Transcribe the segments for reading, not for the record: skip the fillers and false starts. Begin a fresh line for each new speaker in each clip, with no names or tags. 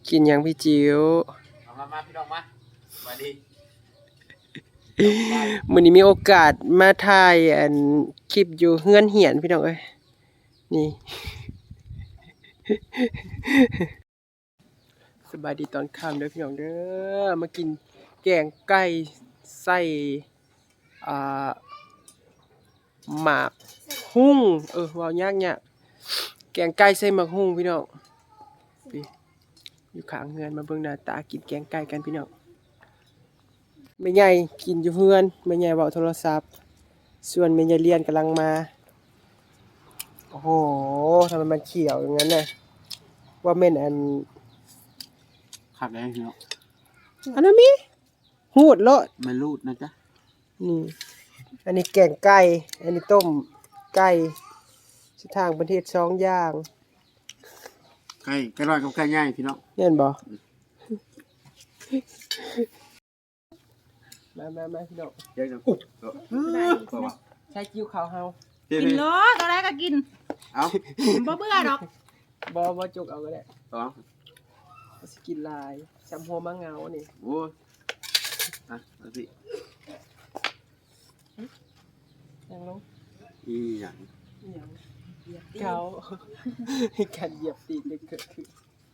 กินยังพี่จิ๋ว
มาพี่น้องมาสวัสดี
มื้อนี้มีโอกาสมาถ่ายคลิปอยู่เฮือนเหียนพี่น้องเอ้ยนี่ สบายดีตอนค่ำเด้อพี่น้องเด้อมากินแกงไก่ใส่อ่าหมากหุ้งเว้ายากเนี่ยแกงไก่ใส่หมากหุ้งพี่น้องพี่อยู่ข้างเฮือนมาเบิ่งหน้าตากินแกงไก่กันพี่น้องแม่ใหญ่กินอยู่เฮือนแม่ใหญ่เว้าโทรศัพท์ส่วนแม่ใหญ่เรียนกำลังมาโอ้โหทำไมมันเขียวอย่างนั้นน่ะว่าแม่น
ขับได้พี่น้อง
อันนั้นมีหูดเลาะ
ไม่รูดนะจ๊ะ
นี่อันนี้แกงไก่ อันนี้ต้มไก่สิทางประเทศ2อย่าง
ไก่ลอยกับไก่ย่างพี่น้อง
เห็นบ่มาพี่น้อง
เดี๋ยวจะ
ใช้กิ้วขาวเฮา
กินโลตอนแรกก็กิน
เอา
บ่เบื่อดอก
บ่จุกเอาก็ได้
ต่อ
สิกินลายจำหัวมะเงานี่
โอ้ยมาสิ
ยังลง
อีอย่าง
ยังเหยียบเขาการเหยียบตีนได้เกิดขึ้น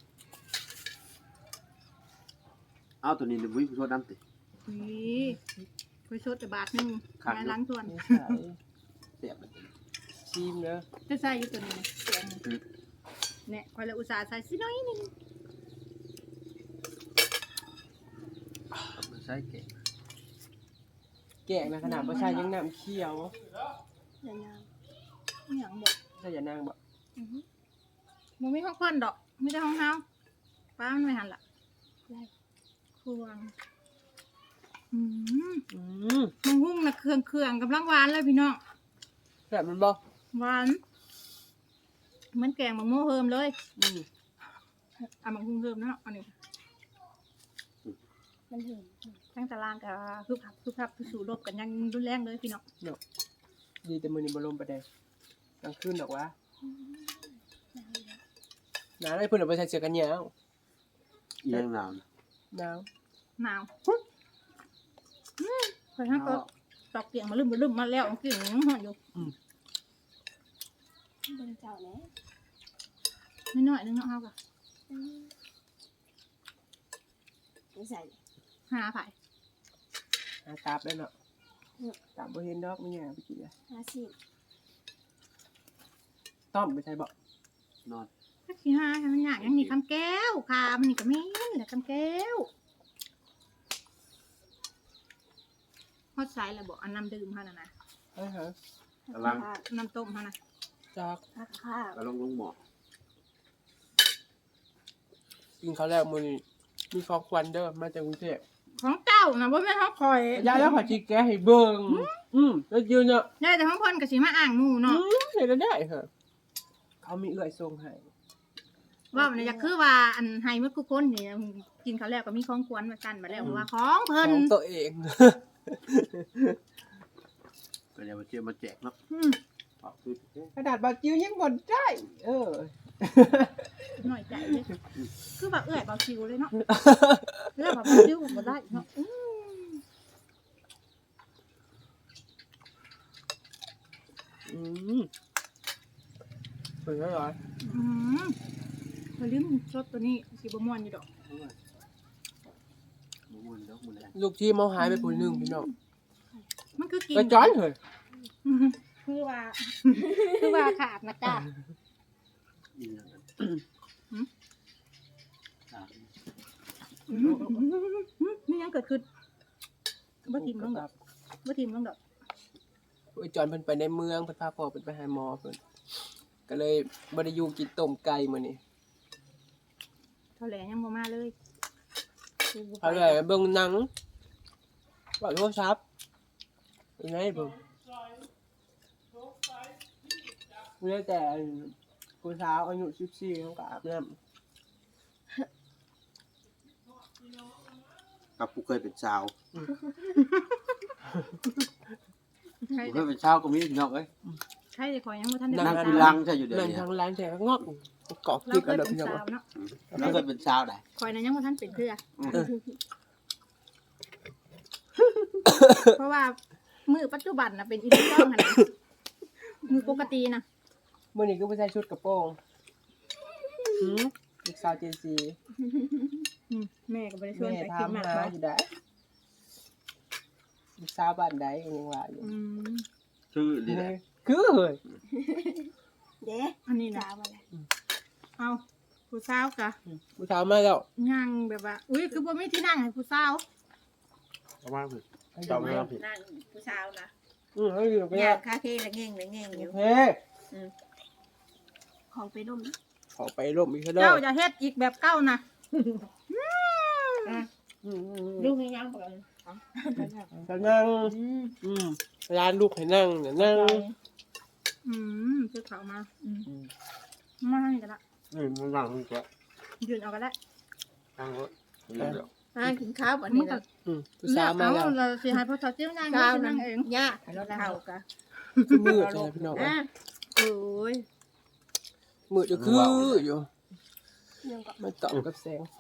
เอาตัวนี้เดี๋ยววิ่งโทษน้ำติ
นี่คุยชดแต่บาทนึงงานล้างส่วน
ไม่ใช่เสียบชิมเนอะ
จะใส่อยู่ตัวนี้แกงเนี่ยคอยละอุตส่าห์ใส่สิน้อยนึง
ไม่ใช่เก่ง
แกงนะขนาดว่าใช่ยังน้ำเคี่ยว
อย่างอย่างบ่
ใช่อย่านางบ่
มันไม่ห้องควันดอกไม่ได้ห้องเฮาป้ามันไม่หันละควงมันหุ้งนะเครื่องกำลังหวานเลยพี่น้อง
แบบมันบ่
หวานเหมือนแกงมะม่วงเฮิมเลยอ่ะมะม่วงเฮิมเนาะอันนี้มันถึงทั้งตารางกับคือพับคือสู่รบกันยังรุนแรงเลยพี่น้อง
เนาะดีแต่มื้อนี้บ่ลมปานใดกลางคืนดอกวะหนาวได้เพิ่นเอาไปใส่เสื้อกันหนาว
อีอย่างหนาว
หนาว
หนาวคอยทั้งก็ตอกเตียงมาลืมมาแล้วกิ่งยังหอนอยู่
บนเจ้าแล้ว
นิดหน่อยนึงเนาะเฮาก็
ไม่ใส่
หาไผ่
หาตาบแล้วเนาะตาบบ่เห็นดอกมีหยังไปกินอ่ะ
50
ต้อมไปใส่บ่
นอน
ถ้าขี้หามันอยากยังนี่คำแก้วค่ะมันนี่ก็แม่นแหละคำแก้วฮอดไซส์แล้วบอกอันน้ำดื่มเท่านั้นนะ
ฮะ
กำลัง
น้ำต้มเท่านั้น
จาก
ข้าว
กำลังลงหมอ
กินข้าวแล้วมื้อนี้มีของขวัญเด้อมาจากกรุงเทพ
ของเจ้านะว่าแม่นของคอย
ยายแล้วขอจิแกะให้เบิ่งแล้วยืนเนาะ
ได้แต่ของคนก็สิมาอ่างหมู่เนาะ
เห็นแล้วได้เหรอเขามีเอื้อยส่งให้
ว่ามันจะคือว่าอันไฮเมื่อกูคนนี่กินเขาวแล้วก็มีของควรมากันมาแล้วว่าของเพิ่น
ของตัวเอง
ก็เดี๋ยวมาเชื่อมาแจกเนาะ
กระดาษบาจิวยังบ่ได้
หน่อยใจเลยคือแบบเอื้อยเบาชิวเลยเนาะแล้วแบบเบาชิวบ่ได้เนาะ
เป็นแล้วเหรอ
พอลืมชดตัวนี้สิบ่ม่วนอยู่ดอก
ลูกที่เมาหายไปคนหนึงพี่น้อง
มันคือกิน
ไปจ้อนเหรอ
คือว่าขาดนะจ้านี่ยังเกิดขึ้นบ่ทิมลงดอกบ่ทิมลงดอก
ไปจอนเพิ่นไปในเมืองเพิ่นพาพ่อเพิ่นไปหาหมอเพิ่นก็เลยบ่ได้อยู่กินต้มไก่มื้อนี้
เท่าแหลยังบ่มาเลย
เขาเลยเบิ่งหนังว่าโทรศัพท์เป็นไงเบิ่งเมื่อแต่ผู้สาวอายุ14เขาก็อาบน้ำ
กับผู้เคยเป็นสาว
ใช่
ผู้เคยเป็นสาวก็มีพี่น้องเอ้ย
ใช่แต่ขอยยังบ่ทันได้
นั่งกินลังใช่อยู่เดี๋ยว
นั่ง
นี้
ทางร้านแต่ก็งอกเกาะ
เรา
กิ๊ก
เค
อัน
ย
เดิม
เป็น
พี่น้อง
สาวเนาะ
แล้วก็เป็นชาวไหน
คอยนั้นยังบ่ทันเป็นเพื่อ
เออ
เพราะว่ามือปัจจุบันน่ะเป็นอีเรื่องหั่นน่ะมือปกตินะ
มื้อนี้ก็บ่ใส่ชุดกระโปรงหืมลูกสาวเจซี
แม่ก็บ่ได้ชวน
แม่
ไป
ถา
กิน
ม
หมาก
หา
บ่
อยู่ได้ลูกสาวบ้านใดก็ยังว่าอยู่
ชื่อดีแหละ
คือเฮ้ย
เด้
อันนี้
สา
นะ
วมาแล้ว
เอาผู้สาวกะ
ผู้สาวมาแล้ว
ย่างแบบว่าอุ้ยคือบ่มีที่นั่งให้ผู้สาว
เอามาผิด
ให้
จอ
ดู
มไม่
แม่
รับผิด
นั่งผู้สาวนะ
ให้ดูไป
ย่า
แล้ว
งคาเฟ่ละเง่งละเง่งอยู่
เฮ้
ของไปร่ม
ขอไปร่มอีกเด้อ
เจ้าจะเฮ็ดอีกแบบเก่านะ
ลูกยังบอก
จะนั่งร้านลูกให้นั่งเนี่ยนั่ง
คือเขามามาให้กันละ
มันนั่งมันก็
ยืนเอากันละ
นั่งรถเดี๋ยว
นั่งกินข้าววัน
มั
นี้
นก็
นะ
ผู้สาวมาแล้ว
เราสิให้พ่อสาวจิ้วนั่ง
ข้าว
นั่
นั่
ง
ง
เอง
ย่าเท่ากัน
คือมืดเลยพี่น้อง
อ่ะโอ้ย
มืดจะคืออยู่
ยังก็
มันต่อกับแสงไฟ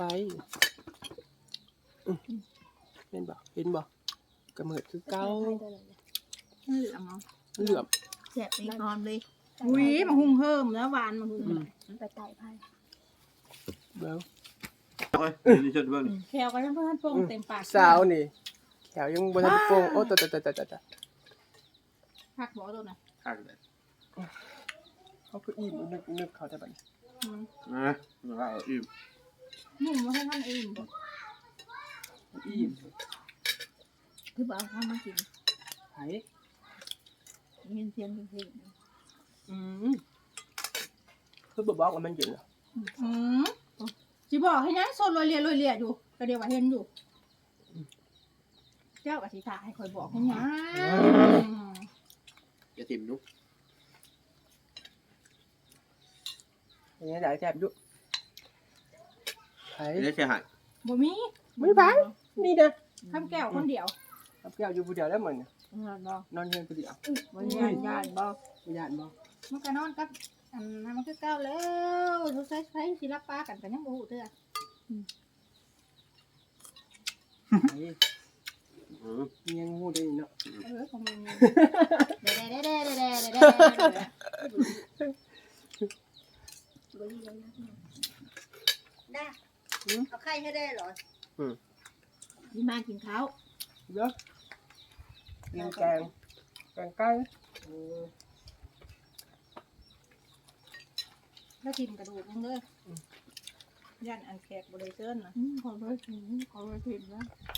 เห็นบ่เห็นบ่กระมืดคือเก้า
เหลืองเนาะ
เหลื่อม
แสบไปนอนเลย
อุ้ยมาหุงเพิ่มแล้วหวานมาหุง
ไปไต่ไพ่
เบ้า
โอ้ยนี่ชดเบิ้ง
แควก็ยังเพิ่นโป่งเต็มปาก
สาวนี่แขวยังบนทันโป่งโอ้ตะ
พักบ่ตัวน่ะ
ข้างเลย
เขาคืออิ่มนึกเขาแต่บัดนี้
นะเราอิ่ม
หนุ่มว่าให้ท่านเอง
อิ่ม
คือบอกเขามากิน
ไผ่
เงินเสียงเพลง
คือบ่บอกว่ามันเย็นเหรอ
สิบอกให้ยังโซนลอยเลียอยู่ก็เดี๋ยวว่าเห็นอยู่เจ้าก็สิถ่าให้คอยบอกให้ยัง
อย่าทิมนุ๊ก
อย่างนี้ได้แซ่บอยู่ไผ่
ไม่ได้เสียหาย
บ่มี
ไม่ไผ่นี่นะ
คำแก้วคนเดียว
กับแก้วอยู่ผู้เดียวแล้วเหมือน
นอนบอก
นอนเฮือนผู้เดียว
วันนี้ญาติบอก
บ่ย่านบ่
มันก็นอนกับอันนั้นมันคือเก่าแล้วทุกใช้สิรับปลากันก็ยังบ่ฮู้เด้อ
ไผ่ยังฮู้ได้เนาะ
ของมึงเด้
บ่ดีแล้วนะ
ได้เอาไข่ให้ได้เหรอ
นี่มากินข้าว
เยอะกินแกงไก่
แล้วกินกระดูกนึงเด้อย่านอันแขกบ่ได้เชิญน่ะ
ขอไปถึงขอไปถึงนะ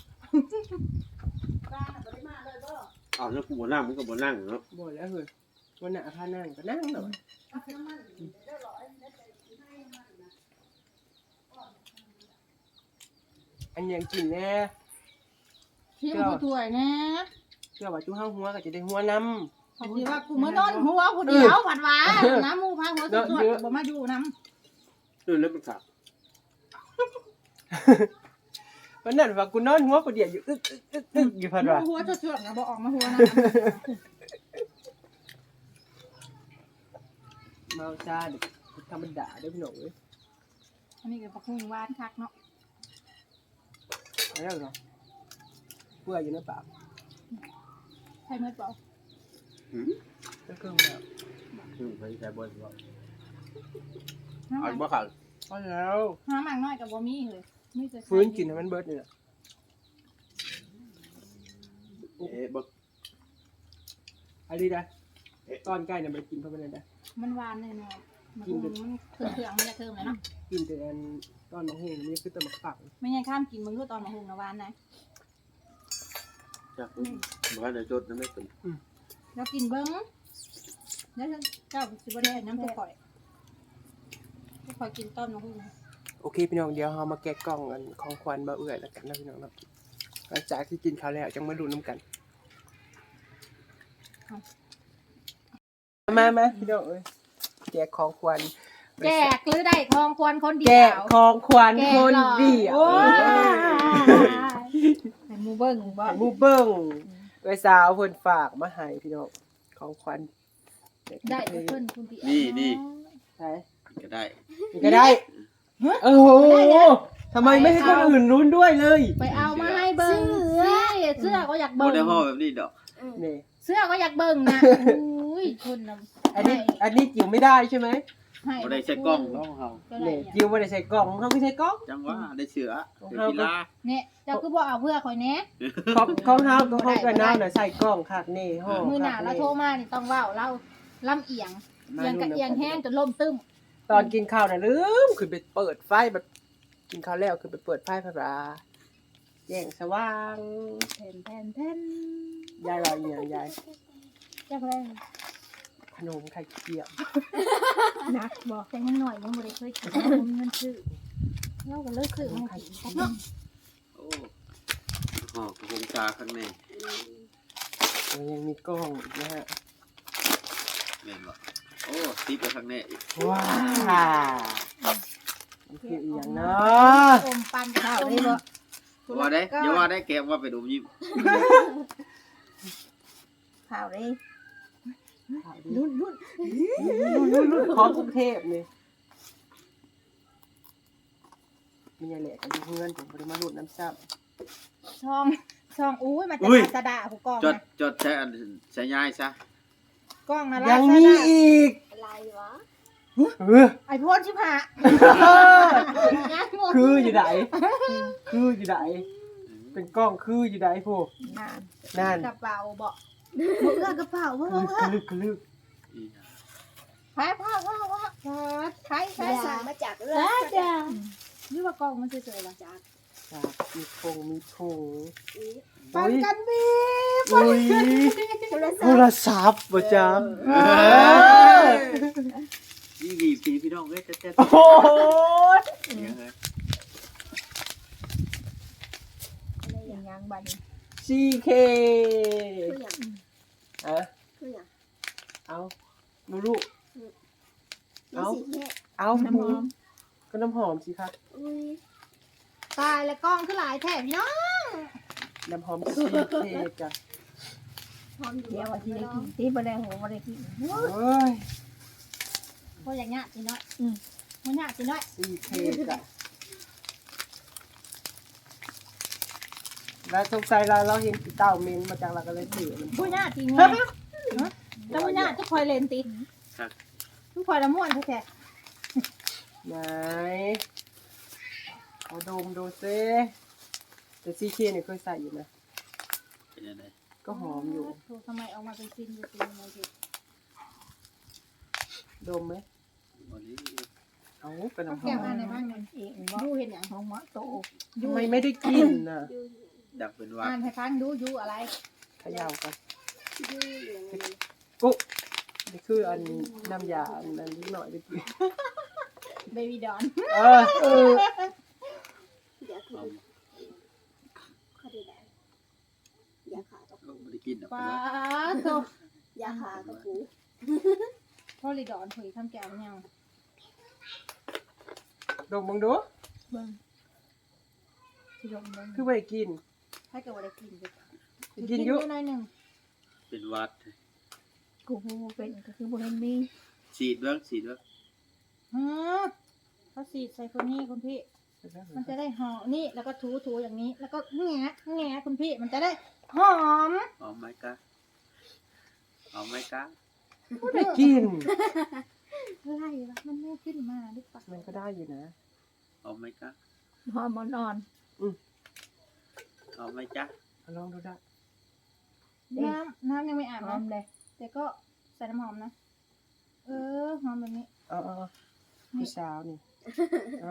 ป้าน่ะบ่ได้มาเลยบ่
อ้าวแล้วกูบ่นั่งมันก็บ่นั่งเนาะ
บ่แล้วเฮ้ยวันน่ะพานั่งก็นั่งแล้วอันยังกินแน่
ที่มันผู้ถ้วยแน่
เชื่อว่าจุ้ห้าหัวก็จะได้หัวน้
พอดีว่ากูมื้อนอนหัวผู้เดียวหวานหวานน้ำหมูพาหัวสดๆบ่มาอยู่น้
ตื่นแล้วมันขาด
ำวันนั้นว่ากูนอนหัวกูเดียวอยู่อึกอยู่พันว่า
ำหัวสดๆนะบ่ออกมาหัวน้
เมาชาเด็กธรรมดาเด้อพี่น้องเอ้ย
ำอันนี้ก็ปักหุ่งหวานคักเนาะ
อะไรเหรอเพื่ออยู่ในปาก
ใช่เมื่อเปล่า
ก็เครื่องแบบ
ไปใช้บนว่า
น้ำ
เอา
มัน
บ่ขาด
พอแล้ว
น้ำมันน้อยกับบ่มีเลยมีแต่
ฟื้นกินให้มันเบิดนี่แหละ
บ่
อันนี้ได้ตอนใกล้เนี่ยไปกินเพราะมันได้
มันหวานเลยเนาะมันเครื่องมันจะเทิมเลยเนาะ
กินแต่อันตอนมะฮุ่งนี่คือแตะมักฝัก
ไม่งั้นข้ามกินมึงรู้ตอนมาหุงนะหวานนะ
จักบ่ได้จดนั่นไม่เป็น
แล้วกินเบิ้งแล้วเจ้าสิบ่ได้น้ำตัวข่อยตัวข่อยกินต้นมาหุง
โอเคพี่น้องเดี๋ยวเรามาแกะกล่องกันของขวัญมาเอื่อยแล้วกันนะพี่น้องเนาะหลังจากที่กินข้าวแล้วจังมาดูน้ำกันมาพี่น้องเอ้ยแจกของขวัญ
แจกหรือได้ทองควรคนเดี
แจ
ย
ก
ว
ของขวัญคนเดียว
โอ้ยให้หมูเบิ้งบ่
ให้หมูเบิ้งไว้สาวเพิ่นฝากมาให้พี่น้องของขวัญ
ได้เพิ่นคนเดียว
นี่
ใช่
ก็ได้
นี่ก็ได้โอ้โหทำไมไม่ให้คนอื่นรุ้นด้วยเลย
ไปเอามาให้เบิ่งสิเสื้อก็อยาก
บ่
เบิ่ง
ได้ห่อแบบนี้ดอก
นี่
เสื้อก็อยากเบิ่งนะอุ้ยคนน่ะ
อันนี้จิ๋วไม่ได้ใช่ไหม
ให้
บ่ได้ใช้กล้องน้องเฮา
ก็ได้
นี่
เนี่ย
จิ๋วไม่ได้ใส่กล่องเขาไม่ใส่กล่อง
จังว่าได้เสือได้กีฬา
เนี่ยเจ้าคือบ่เอาเพื่อข่อยแหน่
ของเฮาก็ของกันน้ำน่ะใส่กล่องคักนี่ห่อ
มือหน้า
คัก
เราโทรมานี่ต้องเว้าเราลำเอียงเอียงกับเอียงแห้งจนล่มตึ้ม
ตอนกินข้าวน่ะลืมขึ้นไปเปิดไฟแบบกินข้าวแล้วขึ้นไปเปิดไฟพระราแย่งสว่าง
แผ่น
ยายรออีหยังยาย
จักแรง
ขนมไข่เจียว
นักบอกแต่ยังหน่อยยังบ่ได้เคยกินผมเงินซื้อเราก็เลิกซื้อมากินเนาะ
โอ้ห่อกระพงชาข้างใน
มันยังมีกล้องอีกนะฮะ
แม่นบ่โอ้ติดไปข้างในอีก
ว้าวมันคืออีหยังเนาะ
อมปันข้าวได้บ่
ว่าได้อย่าว่าได้แกว่าไปดูยิ้ม
ข้าวได้
รุ่นของกรุงเทพนี่มีอะไรกันเพื่อนผมบ่ได้มารุ่นน้ำซ้ำ
ช่องอุ้ยมาจากลาซาด้าผู้กอง
จด
นะ
จดใช้อันใช้ย้ายซะ
กล้องนะลา
ยัง
ซา
มี
ด้า
อีก
อะไรวะ
ไอโฟน15งานงง
คืออยู่ไหนคืออยู่ไหนเป็นกล้องคืออยู่ไหนพวกนั่น
กระเป๋าบ่บ่เอื้อกระเป๋าบ่
คือ
เอื้อ
ลึก
อีหยัง
แพ้ผ้าใคร
แม่สั่งมาจากเรื
แล้ว
อ
จ้ะนี่ว่ากล้องมันสวยๆล่ะจ้ะ
จากมีคงมีคง
ปันกันบี
อุ้ย
โทรศั
โท
พท์
รศัพท์บ่จ๊ะ
นี่บีบพี่น้องเอ้ยเต้น
โอ้โห
ๆอย่างเงี้ย
อย่างยังบัดนี้
CK
คืออย่าง
อะ
คืออย่าง
เอาดูลูก
มีสีแค่
เอา
น้ำหอม
ก็น้ำหอมสิครับ
อุ้ย
ตายแล้วกล้องคือหลายแถบพี่น้อง
น้ำหอม CK จ้ะ
หอมอยู่
เดี๋ยวว่าสิได้กินตีบ่ได้หัวบ่ได้กิน
เอ้ย
บ่อย่างเงี้ยสิน้อยบ่ยากสิน้อย
CK จ้ะแล้วสงสัยเราเห็นกีเต้าเมนมาจากเราก็เลยถือมัน
บ่ยากจริงไงแล้วบ่ยากทุกคอยเล่นติทุกคอยละม่วนแท้
ไหนเอาดมดูซิแต่CKเนี่ยเคยใส่อยู่นะ
เป็นยังไง
ก็หอมอยู่
โทรทำไมเอามาเป็นซินอยู่ซินมาสิ
ดมไหม
วันนี้
เอาเป็นน้ำห
แก้
อ
ว
ม
อันไหนบ้างเนี่ยดูเห็นอย่างของหมอโต
ทำไมไม่ได้กินน่ะ
ดักเป็นว่า
อ่านให้ฟังดูอยู่อะไร
เขย่ากัน
ยืดอย่างนี้
กุ๊กนี่คืออันน้ำยาอันนั้นนิดหน่อยได้กิน
เบบี้ดอน
เออ
เดี๋ยวคือ
เอา
เขาได้แล้วยาขากับ
เอาไม่ได้กินหรอก
ป้า
นะ
โต
ยาขากับปู
พอลีดอนเผยทำแก้วยัง
ดมมึงดู
เบิ่งสิลงเบิ่ง
คือไม่ได้กิน
ให้กับว่าได้กินจ้ะ
กินอยู่
หน่อยหนึง
เป็นวัด
กูบ่เป็นก็คือบ่เห็นมี
ฉีดเบื้องฉีดเบื้อง
ฮะเขาสีดใส่คนนี้คุณพี่ มันจะได้หอมนี่แล้วก็ถูอย่างนี้ แล้วก็แงะคุณพี่มันจะได้หอม
เอาไหมกะเอาไหมกะ
ไม่ได้กิน
อะไรวะมันไม่ขึ้นมาหรือเปล่า
มันก็ได้อยู่นะ
เอาไหมกะ
หอมอ่อน
เอาไหมจ๊ะ
เอาลองดูได้
น้ำยังไม่อาบนะเลยแต่ก็ใส่น้ำหอมนะหอมแบบนี้
เอาพี่สาวนี่เอา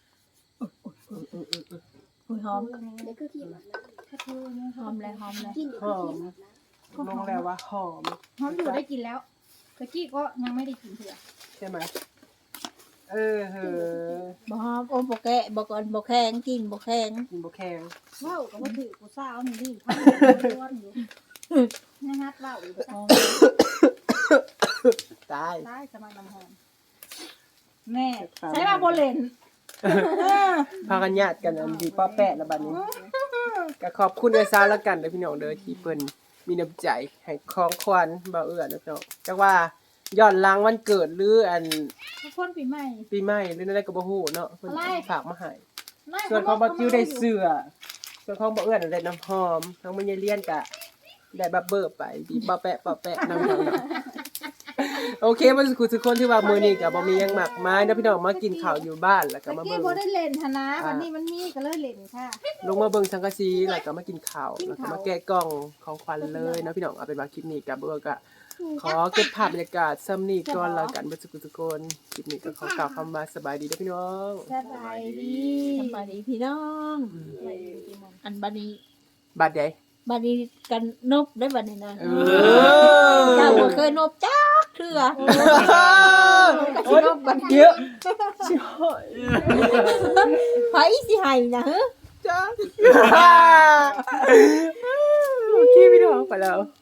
หอม
นี่คือขี้หมานะ
ถ้าเธอเนี่ยหอมเลย
กินอยู่คือขี้หมานะ
ลงแล้วว่าหอม
หอมอยู่ได้กินแล้วตะกี้ก็ยังไม่ได้กินเถื่อ
ใช่ไหมเออเหอะ
บ่หอมโอ้บ่แกะบ่ก่อนบ่แข็งกินบ่แข็ง
กินบะแข็ง
ว้าวก็ว่าถือกูสาวนี่ดิทำร้อนอยู่นะฮัดว้าวอยู่
ตาย
ได้สมัยน้ำหอมแม่ใช้มาโบเลน
พากันญาติกันอันดีป้าแปะละบัดนี้ก็ขอบคุณไอ้ซาวแล้วกันเด้อพี่น้องเด้อที่เพิ่นมีน้ำใจให้ของขวัญบ่าวเอื้อนะพี่น้องจักว่าย้อนหลังวันเกิดหรืออัน
ทุกคนปีใหม่
ปีใหม่หรืออะไรก็บ่ฮู้เนาะเพิ่น
อะไร
ฝากมาให้
ไม่
ส่วนของบ่กิ้วได้เสื้อส่วนของบ่เอื้อนได้น้ำหอมทั้งมันยายเลียนก็ได้บับเบอร์ไปบีบปะแปะน้ำหอมโอเคบ่สุขทุกคนที่ว่ามื้อนี้ก็บ่มีหยังมากมายเนาะพี่น้องมากินข้าวอยู่บ้านแล้วก็
เมื่อ
มา
กี้
เบิ่ง
โบได้เล่นธนะวันนี้มันมีก็เลยเล่นค่ะ
ลงมาเบิ่งสังกะสีแล้วก็มากินข้าวแล้วก็มาแกะกล่องของขวัญเลยเนาะพี่น้องเอาเป็นว่าคลิปนี้ก็เบิ่งก็ขอเก็บภาพบรรยากาศซ้ำนี้ก่อนแล้วกันบ่สุขทุกคนคลิปนี้ก็ขอกล่าวคำว่าสบายดีเด้อพี่น้อง
สบายดี
สบายดีพี่น้อง อันบัดนี้
บัดใด
บัดนี้กันนบได้บัดนี้นะ
เอ
เจ้าบ่
อ
เคยนบจักเทื่อก็สินบบัด
เยอะชิโอย
ไผสิให้นะฮะ
จ้าโอเคพี่น้องไปแล้ว